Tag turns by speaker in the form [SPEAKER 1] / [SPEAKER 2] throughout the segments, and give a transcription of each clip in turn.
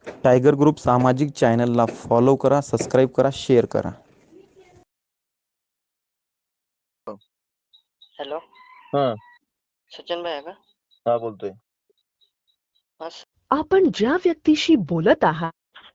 [SPEAKER 1] Tiger group सामाजिक चॅनलला follow करा, सबस्क्राईब करा, शेअर करा.
[SPEAKER 2] हॅलो,
[SPEAKER 3] हा
[SPEAKER 2] सचिन भाई आहे का?
[SPEAKER 3] हा बोलतोय.
[SPEAKER 2] हा
[SPEAKER 4] आपण ज्या व्यक्तीशी बोलत आहात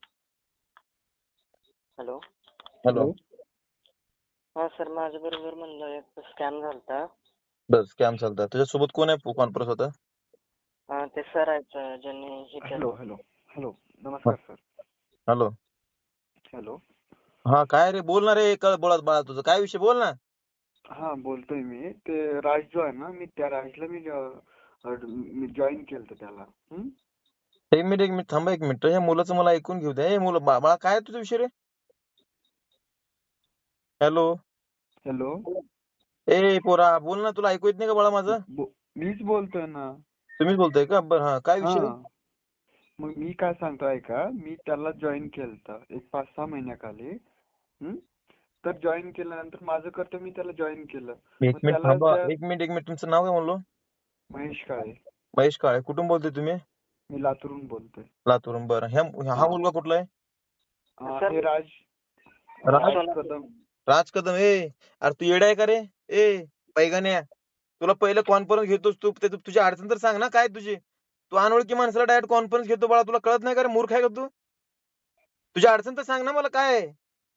[SPEAKER 2] हॅलो.
[SPEAKER 3] हॅलो.
[SPEAKER 2] हा सर, माझ्या बरोबर म्हणलं एक स्कॅम झालता.
[SPEAKER 3] बस स्कॅम चालतात. तुझ्यासोबत कोण आहे कॉन्फरन्स होता?
[SPEAKER 2] ते सर आहेत ज्यांनी हे
[SPEAKER 5] हॅलो
[SPEAKER 2] केलं.
[SPEAKER 5] हॅलो हॅलो नमस्कार सर.
[SPEAKER 3] हॅलो.
[SPEAKER 5] हॅलो.
[SPEAKER 3] हा काय रे, बोल ना रे. बोलत बाळा, तुझं काय विषय बोल ना.
[SPEAKER 5] हा बोलतोय मी. ते राज जो आहे ना, मी त्या राजला मी जॉईन केलं त्याला.
[SPEAKER 3] एक मिनिट थांबा, एक मिनिट. हे मुलाचं मला ऐकून घेऊ दे. हे मुलं बाळा, काय आहे तुझा विषय रे? हॅलो.
[SPEAKER 5] हॅलो.
[SPEAKER 3] ए पोरा, बोल ना. तुला ऐकू येत नाही का बाळा माझं?
[SPEAKER 5] मीच बोलतोय ना.
[SPEAKER 3] तुम्हीच बोलताय का? बरं, हा काय
[SPEAKER 5] हा,
[SPEAKER 3] विषय?
[SPEAKER 5] मग मी काय सांगतोय का, मी त्याला जॉईन केलं एक 5-6 महिन्याखाली. तर जॉईन केल्यानंतर माझं कर्तव्य मी त्याला जॉईन केलं.
[SPEAKER 3] एक
[SPEAKER 5] मग
[SPEAKER 3] मिनिट
[SPEAKER 5] त्याला
[SPEAKER 3] थांबा,
[SPEAKER 5] त्या
[SPEAKER 3] एक मिनिट. तुमचं नाव काय म्हणलो?
[SPEAKER 5] महेश काळे.
[SPEAKER 3] महेश काळे. कुठून बोलतोय तुम्ही?
[SPEAKER 5] मी लातूरून बोलतोय.
[SPEAKER 3] लातूरून. बरं, हा मुलगा कुठला आहे?
[SPEAKER 2] सर,
[SPEAKER 5] हे राज
[SPEAKER 3] राज
[SPEAKER 5] कदम.
[SPEAKER 3] राज कदम. अरे तू येडा आहे का रे? पैगान्या, तुला पहिलं कॉन्फरन्स घेतोस तू, तुझी अडचण तर सांग ना काय तुझी. तू अनोळखी माणसाला डायरेक्ट कॉन्फरन्स घेतो बाळा. तुला कळत नाही का रे? मूर्ख आहे का तू? तुझी अडचण तर सांग ना मला काय आहे.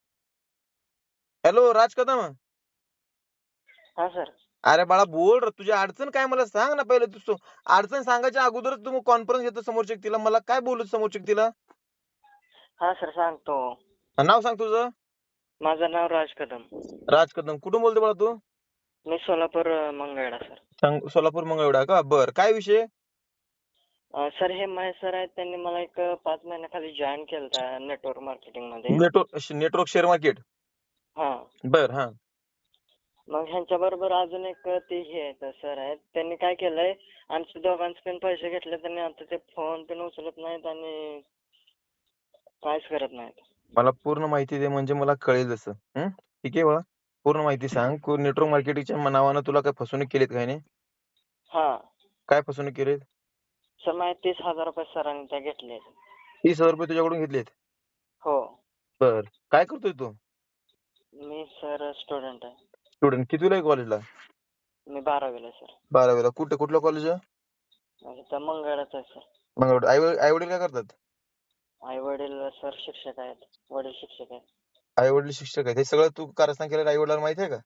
[SPEAKER 3] हॅलो राज कदम.
[SPEAKER 2] हा सर.
[SPEAKER 3] अरे बाळा बोल रे, तुझी अडचण काय मला सांग ना पहिले. तू अडचण सांगायच्या अगोदरच तू कॉन्फरन्स घेतो समोरच्या व्यक्तीला. मला काय बोलू समोरच्या व्यक्तीला?
[SPEAKER 2] हा सर, सांगतो.
[SPEAKER 3] नाव सांग तुझं.
[SPEAKER 2] माझं नाव राज कदम.
[SPEAKER 3] राज कदम. कुठून बोलतो बाळा तू?
[SPEAKER 2] मी सोलापूर मंगळवेढा सर.
[SPEAKER 3] सोलापूर मंगळवेढा का? बर, काय विषय?
[SPEAKER 2] सर, हे महेश सर आहेत, त्यांनी मला एक 5 महिन्याखाली जॉईन केलं नेटवर्क मार्केटिंग मध्ये.
[SPEAKER 3] Network share market.
[SPEAKER 2] हा.
[SPEAKER 3] बर. हा.
[SPEAKER 2] मग ह्यांच्या बरोबर अजून एक ते हे आहेत सर आहेत, त्यांनी काय केलंय, आमच्या दोघांचे पण पैसे घेतले त्यांनी. आता ते फोन पण उचलत नाहीत आणि काहीच करत नाहीत.
[SPEAKER 3] मला पूर्ण माहिती दे, म्हणजे मला कळेल जसं. ठीक आहे बाळा, पूर्ण माहिती सांग. नेटवर्क मार्केटिंगच्या नावानं तुला काय फसवणूक केलीत काय नाही?
[SPEAKER 2] हा
[SPEAKER 3] काय फसवणूक केलीत?
[SPEAKER 2] सर, माझे 30,000 रुपये सरांनी त्या घेतले.
[SPEAKER 3] 30,000 रुपये तुझ्याकडून घेतलेत?
[SPEAKER 2] हो.
[SPEAKER 3] बर, काय करतोय तू?
[SPEAKER 2] मी सर स्टुडंट आहे.
[SPEAKER 3] स्टुडंट. कितवीला आहे कॉलेजला?
[SPEAKER 2] मी 12वीला आहे सर.
[SPEAKER 3] 12वीला. कुठलं कॉलेज आहे?
[SPEAKER 2] तर मंगळाच आहे सर.
[SPEAKER 3] मग आई वडील काय करतात?
[SPEAKER 2] आई वडील सर शिक्षक आहेत. वडील शिक्षक आहेत.
[SPEAKER 3] आई वडील शिक्षक आहेत. हे सगळं तू कारस्थान केलेलं आई वडिलांना माहिती आहे का?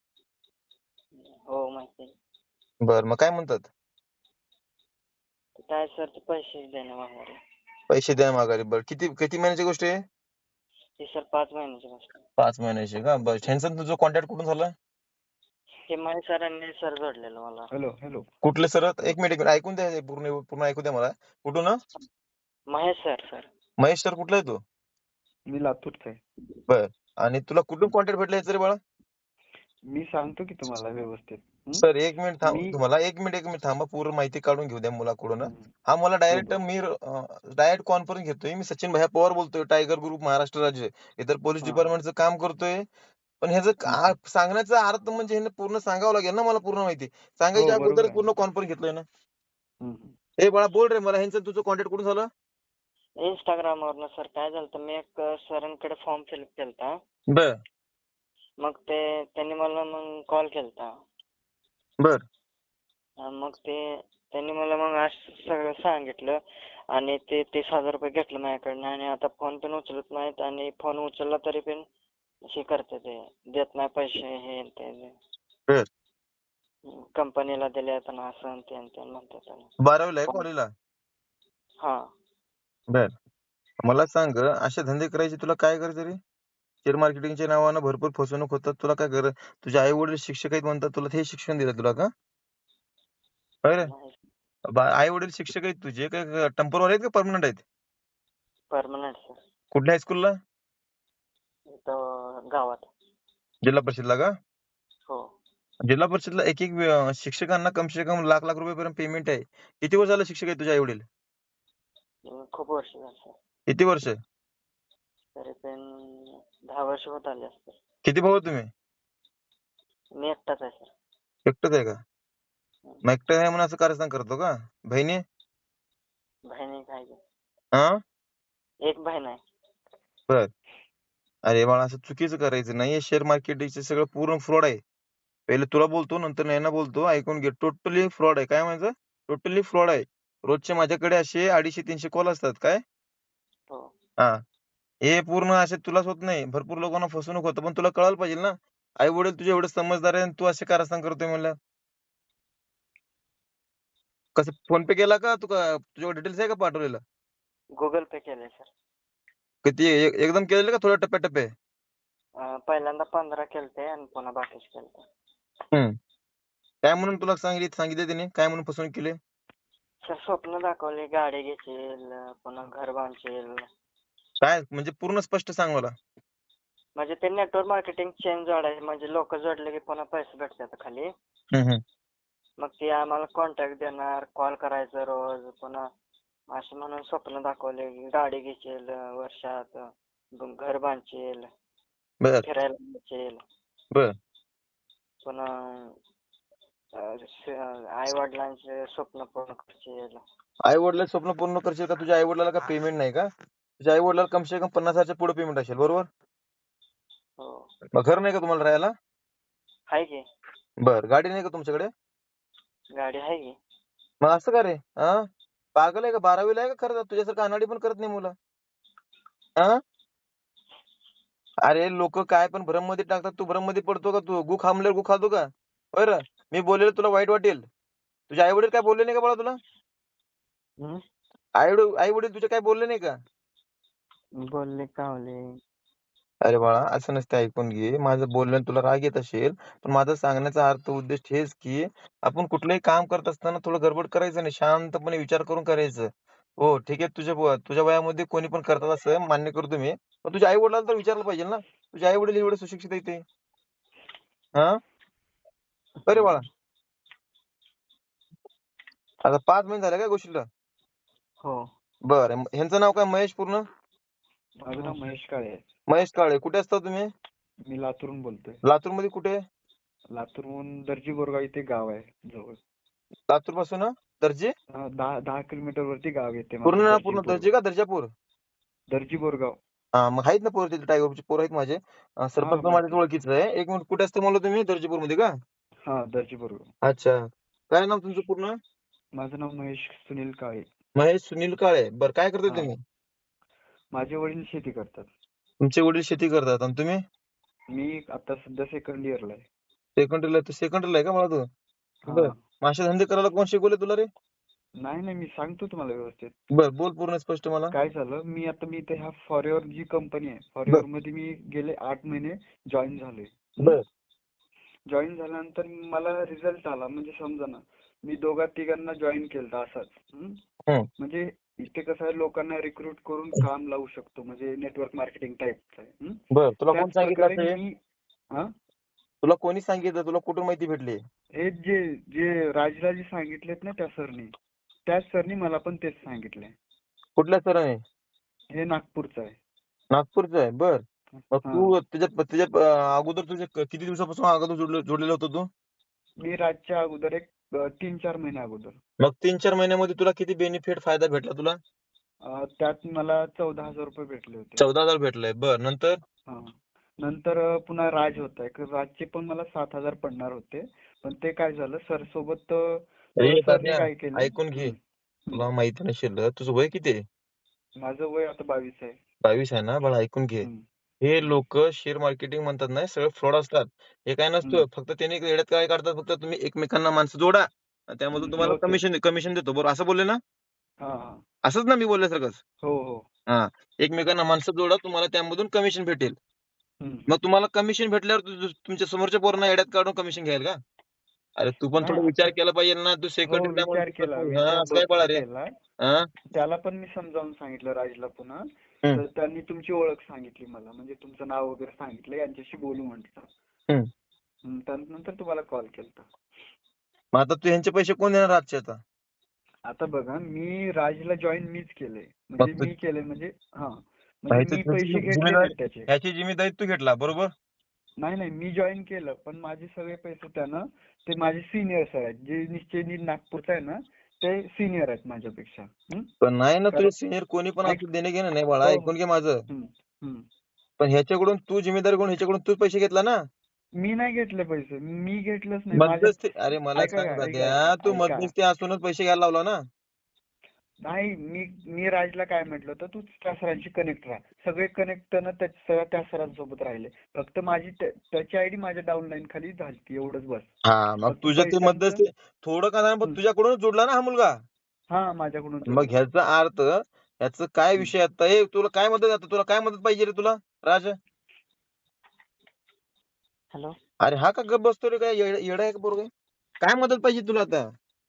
[SPEAKER 2] हो, माहिती आहे.
[SPEAKER 3] बर, मग काय म्हणतात?
[SPEAKER 2] काय सर, ते पैसे देणे मागणारे.
[SPEAKER 3] पैसे द्या माघारी. बरं, किती किती महिन्याची गोष्ट आहे?
[SPEAKER 2] ही सर 5 महिन्याची गोष्ट आहे.
[SPEAKER 3] 5 महिन्याची का? बरं, ह्यांचं तुझं कॉन्टॅक्ट कुठून झालं?
[SPEAKER 2] हे महेश सरांनी सर जोडलेलं मला.
[SPEAKER 5] Hello hello.
[SPEAKER 3] कुठले सर? एक मिनिट ऐकून द्या, पूर्ण ऐकू द्या मला. कुठून?
[SPEAKER 2] महेश सर.
[SPEAKER 3] महेश सर. कुठला आहे तू?
[SPEAKER 5] मी लातूरचा आहे.
[SPEAKER 3] बर, आणि तुला कुठून कॉन्टॅक्ट भेटला याचं रे बाळा?
[SPEAKER 5] मी सांगतो की तुम्हाला व्यवस्थित.
[SPEAKER 3] सर एक मिनिट थांब,
[SPEAKER 5] मी
[SPEAKER 3] तुम्हाला एक मिनिट थांबा. पूर्ण माहिती काढून घेऊ द्या मुलाकडून.
[SPEAKER 5] हम्म,
[SPEAKER 3] हा मला
[SPEAKER 5] बरोबर.
[SPEAKER 3] डायरेक्ट कॉन्फरन्स घेतोय. मी सचिन भैया पवार बोलतोय, टायगर ग्रुप महाराष्ट्र राज्य. इतर पोलीस
[SPEAKER 5] हा.
[SPEAKER 3] डिपार्टमेंटचं काम करतोय. पण ह्याचं सांगण्याचा अर्थ म्हणजे ह्यानं पूर्ण सांगावं लागेल ना मला, पूर्ण माहिती सांगायच्या
[SPEAKER 5] हो, बरोबर
[SPEAKER 3] अगोदर
[SPEAKER 5] आहे.
[SPEAKER 3] पूर्ण कॉन्फरन्स घेतलोय ना.
[SPEAKER 5] हम्म.
[SPEAKER 3] हे बाळा बोल रे, मला ह्यांचं तुझं कॉन्टॅक्ट कुठून झालं?
[SPEAKER 2] इंस्टाग्रामवरनं सर. काय झालं, मी एक सरांकडे फॉर्म फिलअप केलता.
[SPEAKER 3] बर
[SPEAKER 2] मग त्यांनी मला कॉल केलता.
[SPEAKER 3] बर
[SPEAKER 2] मग त्यांनी मला असं सगळं सांगितलं आणि ते 30,000 रुपये घेतलं माझ्याकडनं आणि आता फोन पण उचलत नाहीत आणि फोन उचलला तरी पण हे करते, ते देत नाही पैसे. हे ते
[SPEAKER 3] बर.
[SPEAKER 2] कंपनीला दिले ना, असं ते म्हणतात.
[SPEAKER 3] 12वीला आहे कॉलेजला?
[SPEAKER 2] हा.
[SPEAKER 3] बर, मला सांग, असे धंदे करायचे तुला काय करायचं रे? शेअर मार्केटिंगच्या नावानं भरपूर फसवणूक होतात. तुला काय गरज? तुझे आई वडील शिक्षक आहेत म्हणतात, तुला हे शिक्षण दिलं तुला का? रे, आई वडील शिक्षक आहेत तुझे, काय टेम्पोररी आहेत का परमनंट आहेत?
[SPEAKER 2] Permanent sir.
[SPEAKER 3] कुठल्या हायस्कूलला?
[SPEAKER 2] इथं गावात.
[SPEAKER 3] जिल्हा परिषदला का?
[SPEAKER 2] हो.
[SPEAKER 3] जिल्हा परिषदला एक एक शिक्षकांना कम से कम लाख लाख रुपयापर्यंत पेमेंट आहे. किती वर्ष झालं शिक्षक आहे तुझे आई वडील?
[SPEAKER 2] खूप वर्ष झाली सर.
[SPEAKER 3] किती वर्ष?
[SPEAKER 2] तरी पण 10 वर्ष होत आले असतील.
[SPEAKER 3] किती भाऊ आहे तुम्ही?
[SPEAKER 2] मी एकटाच आहे सर.
[SPEAKER 3] एकटंच आहे का? मग एकटं आहे म्हणून असं कारस्थान करतो का? बहिणी?
[SPEAKER 2] बहिणी काय
[SPEAKER 3] हा,
[SPEAKER 2] एक बहीण आहे.
[SPEAKER 3] बर. अरे बाळा असं चुकीचं करायचं नाही. शेअर मार्केटिंगचे सगळं पूर्ण फ्रॉड आहे. पहिले तुला बोलतो नंतर नैना बोलतो. ऐकून घे. टोटली फ्रॉड आहे. काय म्हणायचं? टोटली फ्रॉड आहे. रोजचे माझ्याकडे असे 250-300 कॉल असतात. काय?
[SPEAKER 2] हो.
[SPEAKER 3] हां. हे पूर्ण असे तुलाच होत नाही. भरपूर लोकांना फसवणूक होतं. पण तुला कळायला पाहिजे ना. आई-वडील तुझे एवढे समजदार आहे आणि तू असे कारस्थान करतोय म्हणल्यावर. कसं फोन पे केला का? तुझ्याकडे डिटेल्स आहे का पाठवलेलं?
[SPEAKER 2] गुगल पे केलंय सर.
[SPEAKER 3] किती एकदम केलेलं का थोड्या टप्प्याटप्प्यात?
[SPEAKER 2] पहिल्यांदा 15 केलते आणि पुन्हा बाकीचे केलते.
[SPEAKER 3] हं. काय म्हणून तुला सांगितले त्याने? काय म्हणून फसवणूक केली?
[SPEAKER 2] सर स्वप्न दाखवली, गाडी घेशील, पुन्हा घर बांधशील.
[SPEAKER 3] काय म्हणजे पूर्ण स्पष्ट सांग मला.
[SPEAKER 2] म्हणजे ते नेटवर्क मार्केटिंग चेन जोडायचे, म्हणजे लोक जोडले की पुन्हा पैसे भेटतात खाली.
[SPEAKER 3] हं, हं.
[SPEAKER 2] मग ते आम्हाला कॉन्टॅक्ट देणार, कॉल करायचं रोज, पुन्हा असं म्हणून स्वप्न दाखवले की गाडी घेशील वर्षात, घर बांधशील,
[SPEAKER 3] बरं,
[SPEAKER 2] फिरायला जाशील,
[SPEAKER 3] बरं.
[SPEAKER 2] पुन्हा आई वडिलांचे स्वप्न पूर्ण करशील.
[SPEAKER 3] आई-वडिलांचे स्वप्न पूर्ण करशील का? तुझ्या आई-वडिलाला का पेमेंट नाही का? तुझ्या आई-वडिलाला कम से कम 50,000च्या पुढे पेमेंट असेल, बरोबर?
[SPEAKER 2] हो.
[SPEAKER 3] मग घर नाही का तुम्हाला राहायला?
[SPEAKER 2] आहे की.
[SPEAKER 3] बरं. गाडी नाही का तुमच्याकडे?
[SPEAKER 2] गाडी आहे की.
[SPEAKER 3] मग असं का रे? हां? पागल आहे का? 12वीला आहे का खरं? तुझ्यासारखं अनाडी पण करत नाही मुलं. हां? अरे लोकं काय पण भ्रममध्ये टाकतात. तू भ्रममध्ये पडतो का तू? गु खांबल्यावर गु खातो का? होय रे? मी बोललेलं तुला वाईट वाटेल. तुझे आई-वडील काय बोलले नाही का बाळा तुला?
[SPEAKER 2] हं?
[SPEAKER 3] आई-वडील तुझे काय बोलले नाही का?
[SPEAKER 2] बोलले कावले.
[SPEAKER 3] अरे बाळा, असं नसतं. ऐकून घे. माझं बोलण्यात तुला राग येत असेल, पण माझा सांगण्याचा अर्थ उद्देश हेच की आपण कुठलंही काम करत असताना थोडं गडबड करायचं नाही. शांतपणे विचार करून करायचं. हो, ठीक आहे. तुझ्या वयामध्ये कोणी पण करतात असं मान्य करतो मी. पण तुझ्या आई-वडिलांना तर विचारलं पाहिजे ना. तुझे आई-वडील एवढे सुशिक्षित आहेत ते. हां? का रे बाळा? आता 5 महिने झाले काय गोष्टीला?
[SPEAKER 2] हो.
[SPEAKER 3] बरं. ह्यांचं नाव काय महेश पूर्ण?
[SPEAKER 5] माझं नाव महेश काळे आहे.
[SPEAKER 3] महेश काळे. कुठे असता तुम्ही?
[SPEAKER 5] मी लातूरहून बोलतोय.
[SPEAKER 3] लातूरमध्ये कुठे?
[SPEAKER 5] लातूरहून दर्जी बोरगाव इथे गाव आहे जवळ.
[SPEAKER 3] लातूरपासून दर्जे?
[SPEAKER 5] 10 किलोमीटर वरती गाव येते
[SPEAKER 3] पूर्ण
[SPEAKER 5] माझं,
[SPEAKER 3] ना
[SPEAKER 5] दर्जी
[SPEAKER 3] पूर्ण
[SPEAKER 5] बोरगाव.
[SPEAKER 3] दर्जे का दर्जापूर?
[SPEAKER 5] दर्जी बोरगाव.
[SPEAKER 3] हां, मग आहेत ना पोरं तिथे टायगर ग्रुपचे पोरं आहेत माझे.
[SPEAKER 5] हा,
[SPEAKER 3] सरपंच पण माझ्याच
[SPEAKER 5] माहिती आहे.
[SPEAKER 3] ओळखीचं आहे. 1 मिनिट कुठे असतं म्हणलं तुम्ही? दर्जेपूरमध्ये का?
[SPEAKER 5] हा, दर्जी बोरगाव.
[SPEAKER 3] अच्छा. काय नाव तुमचं पूर्ण?
[SPEAKER 5] माझं नाव महेश सुनील काळे.
[SPEAKER 3] महेश सुनील काळे. बरं काय करता
[SPEAKER 5] हा.
[SPEAKER 3] तुम्ही?
[SPEAKER 5] माझे वडील शेती करतात.
[SPEAKER 3] तुमचे वडील शेती करतात आणि तुम्ही?
[SPEAKER 5] मी आता सध्या सेकंड इयरला आहे.
[SPEAKER 3] सेकंडरीला आहे का बाळा तू? बरं.
[SPEAKER 5] हा.
[SPEAKER 3] मग असे धंदे करायला कोण शिकवले तुला रे?
[SPEAKER 5] नाही, मी सांगतो तुम्हाला व्यवस्थित.
[SPEAKER 3] बरं बोल पूर्ण स्पष्ट मला.
[SPEAKER 5] काय झालं, मी इथे ह्या फॉरएव्हर जी कंपनी आहे,
[SPEAKER 3] बरं.
[SPEAKER 5] फॉरएव्हर मध्ये मी गेले 8 महिने जॉईन झालोय.
[SPEAKER 3] बरं.
[SPEAKER 5] जॉईन झाल्यानंतर मला रिझल्ट आला, म्हणजे समजा ना, मी दोघा-तिघांना जॉईन केलं असंच.
[SPEAKER 3] हं.
[SPEAKER 5] म्हणजे इथे कसं आहे, लोकांना रिक्रूट करून काम लावू शकतो, म्हणजे नेटवर्क मार्केटिंग टाईपचं आहे.
[SPEAKER 3] बरं. तुला कोण
[SPEAKER 5] त्याच
[SPEAKER 3] सांगितलं
[SPEAKER 5] प्रकारे
[SPEAKER 3] असं हे?
[SPEAKER 5] मी हा
[SPEAKER 3] तुला कोणी सांगितलं? तुला कुठून माहिती भेटली?
[SPEAKER 5] हे जे राजराजे सांगितलेत ना त्या सरनी, त्याच सरनी मला पण तेच सांगितलंय.
[SPEAKER 3] कुठल्या सरांनी?
[SPEAKER 5] हे नागपूरचं आहे.
[SPEAKER 3] नागपूरचं आहे. बरं. मग
[SPEAKER 5] हा.
[SPEAKER 3] तू त्याच्या अगोदर किती दिवसापासून अगोदर जोडलेलं होतं तू?
[SPEAKER 5] मी राजच्या अगोदर एक 3-4 महिने अगोदर.
[SPEAKER 3] मग 3-4 महिन्यामध्ये तुला किती फायदा भेटला तुला?
[SPEAKER 5] त्यात मला 14,000 रुपये भेटले होते.
[SPEAKER 3] 14,000 भेटले. बरं. नंतर?
[SPEAKER 5] हा. नंतर पुन्हा राज होता एक, राजचे पण मला 7,000 पडणार होते, पण ते काय झालं, सर सोबत
[SPEAKER 3] अरे
[SPEAKER 5] सरने
[SPEAKER 3] दाद्या,
[SPEAKER 5] काय केलं.
[SPEAKER 3] ऐकून घे. तुला माहिती नसेल तुझं वय किती आहे?
[SPEAKER 5] माझं वय आता 22 आहे.
[SPEAKER 3] 22 आहे ना? बाळा ऐकून घे.
[SPEAKER 5] हम्म.
[SPEAKER 3] हे लोक शेअर मार्केटिंग म्हणतात ना, सगळे फ्रॉड असतात. हे काय नसतं. फक्त त्यांनी येड्यात काय काढतात, फक्त तुम्ही एकमेकांना माणसं जोडा आणि त्यामधून तुम्हाला
[SPEAKER 5] हो ते.
[SPEAKER 3] कमिशन देतो. बरोबर असं बोलले ना?
[SPEAKER 5] हा.
[SPEAKER 3] असंच ना मी बोलल्यासारखंच?
[SPEAKER 5] हो.
[SPEAKER 3] हां. एकमेकांना माणसं जोडा, तुम्हाला त्यामधून कमिशन भेटेल. मग तुम्हाला कमिशन भेटल्यावर तुमच्या समोरच्या पोरांना येड्यात काढून कमिशन घ्याल का? अरे तू पण
[SPEAKER 5] नाही
[SPEAKER 3] थोडा विचार
[SPEAKER 5] आता.
[SPEAKER 3] केला पाहिजे ना. तू
[SPEAKER 5] हो,
[SPEAKER 3] सेकंडरीला
[SPEAKER 5] विचार
[SPEAKER 3] म्हणतो
[SPEAKER 5] केला,
[SPEAKER 3] तू
[SPEAKER 5] विचार
[SPEAKER 3] असं काय
[SPEAKER 5] भरपूर
[SPEAKER 3] बाळा रे?
[SPEAKER 5] केला.
[SPEAKER 3] हां?
[SPEAKER 5] त्याला पण मी समजावून सांगितलं राजला पुन्हा.
[SPEAKER 3] हं.
[SPEAKER 5] तर त्यांनी तुमची ओळख सांगितली मला, म्हणजे तुमचं नाव वगैरे सांगितलं, यांच्याशी बोलू म्हटलं.
[SPEAKER 3] हं.
[SPEAKER 5] त्यानंतर तुम्हाला कॉल केलता.
[SPEAKER 3] मग आता तू ह्यांचे पैसे कोण देणार आजचे आता?
[SPEAKER 5] आता बघा, मी राजला जॉईन मीच केलंय,
[SPEAKER 3] मग
[SPEAKER 5] म्हणजे
[SPEAKER 3] तू
[SPEAKER 5] मी केलंय, म्हणजे म्हणजे मी पैसे घेतले
[SPEAKER 3] जिम्मेदारी
[SPEAKER 5] नाहीत त्याचे.
[SPEAKER 3] ह्याची जिम्मेदारी तू घेतला बरोबर?
[SPEAKER 5] नाही, मी जॉईन केलं, पण माझे सगळे पैसे त्यानं, ते माझे सिनियर्स आहेत, जे निश्चयनी नागपूरचा आहे ना, ते सिनियर आहेत माझ्यापेक्षा.
[SPEAKER 3] पण नाही ना,
[SPEAKER 5] कारण
[SPEAKER 3] तुझे सिनियर कोणी पण
[SPEAKER 5] ऐक
[SPEAKER 3] असू, देणे घेणं नाही बाळा,
[SPEAKER 5] हो हो
[SPEAKER 3] ऐकून घे माझं.
[SPEAKER 5] हम्म, हम्म.
[SPEAKER 3] पण ह्याच्याकडून तू जिम्मेदारी कोण, ह्याच्याकडून तूच पैसे घेतला ना.
[SPEAKER 5] मी नाही घेतले पैसे, मी घेतलंच नाही माझ्या.
[SPEAKER 3] मध्यस्थी, अरे मला
[SPEAKER 5] ऐका
[SPEAKER 3] सांग
[SPEAKER 5] का ऐका
[SPEAKER 3] दाद्या, तू
[SPEAKER 5] ऐका
[SPEAKER 3] मध्यस्थी असूनच पैसे घ्यायला लावला ना.
[SPEAKER 5] नाही, मी राजला काय म्हटलं होतं, तू त्या सरांशी कनेक्ट राहा. सगळे कनेक्ट सगळ्या त्या सरांसोबत राहिले. फक्त माझी त्याची आयडी माझ्या डाऊनलाईन खाली झाली, एवढंच बस.
[SPEAKER 3] हा, मग
[SPEAKER 5] फक्त
[SPEAKER 3] तुझ्या ते
[SPEAKER 5] पैशांचं
[SPEAKER 3] मध्यस्थी थोडं का नाही, पण तुझ्याकडूनच जोडला ना हा मुलगा.
[SPEAKER 5] हा माझ्याकडून
[SPEAKER 3] मग
[SPEAKER 5] जोडला.
[SPEAKER 3] ह्याचा अर्थ, ह्याचं काय विषय आता, हे तुला काय मदत, आता तुला काय मदत पाहिजे रे तुला राज?
[SPEAKER 2] हॅलो.
[SPEAKER 3] अरे हा का गप बसतो रे, काय येडा आहे का पोरगा? काय मदत पाहिजे तुला आता?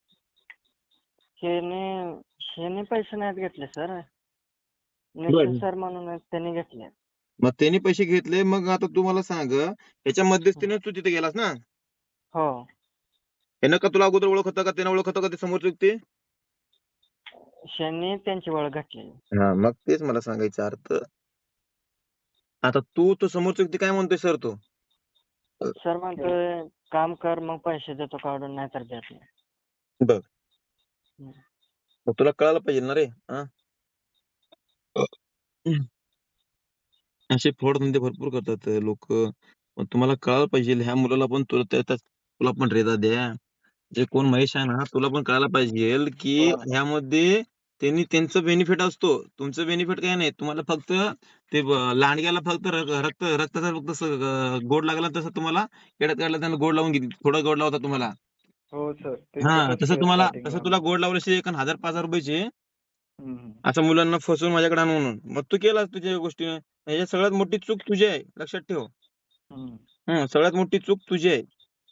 [SPEAKER 2] ह्याने पैसे नाहीत घेतले सर.
[SPEAKER 3] बर.
[SPEAKER 2] निखिल सर म्हणून आहेत, त्यांनी घेतले.
[SPEAKER 3] मग त्यांनी पैसे घेतले, मग आता तू मला सांग, ह्याच्या मध्यस्थीने तू तिथे गेलास ना?
[SPEAKER 2] हो.
[SPEAKER 3] यानं का तुला अगोदर ओळख होता का, त्यानं ओळख होता का ते समोरची व्यक्ती?
[SPEAKER 2] ह्यांनी त्यांची ओळख घातली.
[SPEAKER 3] हा, मग तेच मला सांगायचा अर्थ. आता तू तो समोरचा व्यक्ती काय म्हणतोय सर, तो
[SPEAKER 2] सर म्हणतोय काम कर, मग पैसे देतो काढून, नाही तर देत नाही.
[SPEAKER 3] बघ,
[SPEAKER 2] हम्म.
[SPEAKER 3] मग तुला कळायला पाहिजे ना रे. हा, असे फ्रॉड धंदे भरपूर करतात लोक. पण तुम्हाला कळायला पाहिजे, ह्या मुलाला पण तुला पण रेदा द्या, जे कोण महेश आहे ना, तुला पण कळायला पाहिजे की ह्यामध्ये त्यांचं बेनिफिट असतो, तुमचं बेनिफिट काय नाही. तुम्हाला फक्त ते लांडग्याला फक्त रक्ताचा फक्त गोड लागला, तसं तुम्हाला येड्यात काढला, त्यांना गोड लावून घेतली, थोडा गोड लावता तुम्हाला.
[SPEAKER 5] हो सर, ते
[SPEAKER 3] हा,
[SPEAKER 5] तसंच
[SPEAKER 3] तसं
[SPEAKER 5] स्टार्टिंगला.
[SPEAKER 3] तुला गोड लावल्याशी 1,000-5,000 रुपयाचे असं मुलांना फसवून माझ्याकडे आणून, म्हणून मग तू केलास तुझ्या गोष्टी. ह्याच्यात सगळ्यात मोठी चूक तुझी आहे, लक्षात ठेव. सगळ्यात मोठी चूक तुझी आहे.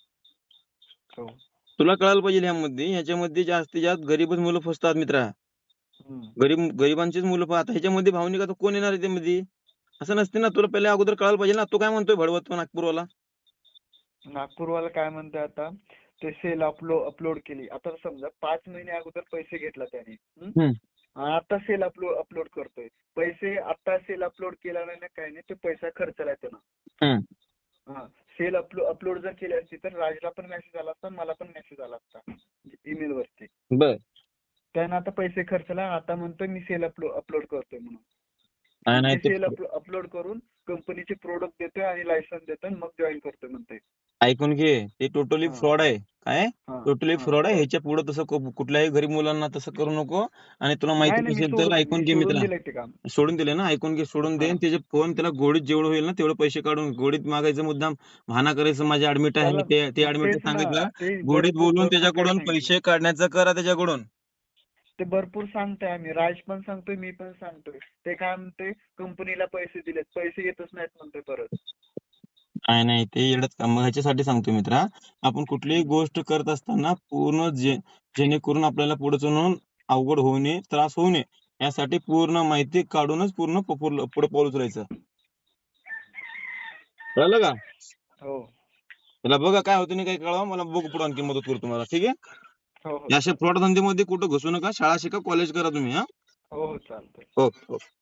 [SPEAKER 5] हो.
[SPEAKER 3] तुला कळायला पाहिजे ह्याच्यामध्ये जास्तीत जास्त गरीबच मुलं फसतात मित्रा. गरिबांचीच मुलं. आता ह्याच्यामध्ये भावनिक आता कोण येणार आहे त्यामध्ये? असं नसते ना, तुला पहिले अगोदर कळायला पाहिजे ना. तू काय म्हणतोय भडवत नागपूरवाला?
[SPEAKER 5] नागपूरवाला काय म्हणतोय आता, ते सेल अपलोड केली. आता समजा 5 महिने अगोदर पैसे घेतला त्याने, आता सेल अपलोड करतोय. पैसे आता सेल अपलोड केला नाही ना, काही नाही, ते पैसा खर्चला त्यानं. सेल अपलोड जर केली असती तर राजला पण मेसेज आला असता, मला पण मेसेज आला असता ईमेल वरती.
[SPEAKER 3] बर,
[SPEAKER 5] त्यानं आता पैसे खर्चला, आता म्हणतोय मी सेल अपलोड करतोय म्हणून.
[SPEAKER 3] नाही
[SPEAKER 5] सेल अपलोड करून कंपनीचे प्रोडक्ट देतोय आणि लायसन्स देतोय, मग जॉईन करतोय म्हणतोय.
[SPEAKER 3] ऐकून घे, ते टोटली फ्रॉड आहे. काय टोटली फ्रॉड आहे.
[SPEAKER 5] fraud.
[SPEAKER 3] ह्याच्या पुढे तसं कुठल्याही गरीब मुलांना तसं करू नको. आणि तुला
[SPEAKER 5] नाही
[SPEAKER 3] माहिती
[SPEAKER 5] नाही,
[SPEAKER 3] नसेल तर ऐकून घे
[SPEAKER 5] सोडून
[SPEAKER 3] मित्रा,
[SPEAKER 5] दिलंय ते काम.
[SPEAKER 3] सोडून दिले ना, ऐकून घे, सोडून दे. त्याचे फोन त्याला गोडीत जेवढं होईल ना तेवढे पैसे काढून गोडीत मागायचं, मुद्दाम बहाना करायचं, माझे ऍडमिट आहे,
[SPEAKER 5] त्याला
[SPEAKER 3] ते
[SPEAKER 5] मग
[SPEAKER 3] ऍडमिट
[SPEAKER 5] तेच ना,
[SPEAKER 3] सांगितलं,
[SPEAKER 5] ते
[SPEAKER 3] गोडीत बोलून
[SPEAKER 5] भरपूर काही
[SPEAKER 3] त्याच्याकडून
[SPEAKER 5] सांगितलं.
[SPEAKER 3] पैसे काढण्याचं करा त्याच्याकडून.
[SPEAKER 5] ते भरपूर सांगतोय आम्ही, राज पण सांगतोय, मी पण सांगतोय. ते काय म्हणते, कंपनीला पैसे दिलेत, पैसे येतच नाहीत म्हणतोय परत.
[SPEAKER 3] नाही ते येडच काम. मग ह्याच्यासाठी सांगतो मित्रा, आपण कुठलीही गोष्ट करत असताना पूर्ण जेणेकरून आपल्याला पुढे जाऊन अवघड होऊ नये, त्रास होऊ नये, यासाठी पूर्ण माहिती काढूनच पूर्ण पुढे पाऊल उचलायचं. कळलं का?
[SPEAKER 5] हो
[SPEAKER 3] त्याला बघा काय होतं नाही, काही कळवा मला, बघू पुढे आणखी मदत करू तुम्हाला. ठीक आहे?
[SPEAKER 5] हो हो
[SPEAKER 3] या अशा फ्रॉड धंद्यामध्ये कुठं घुसू नका. शाळा शिका, कॉलेज करा तुम्ही.
[SPEAKER 5] हो चालतंय.
[SPEAKER 3] हो.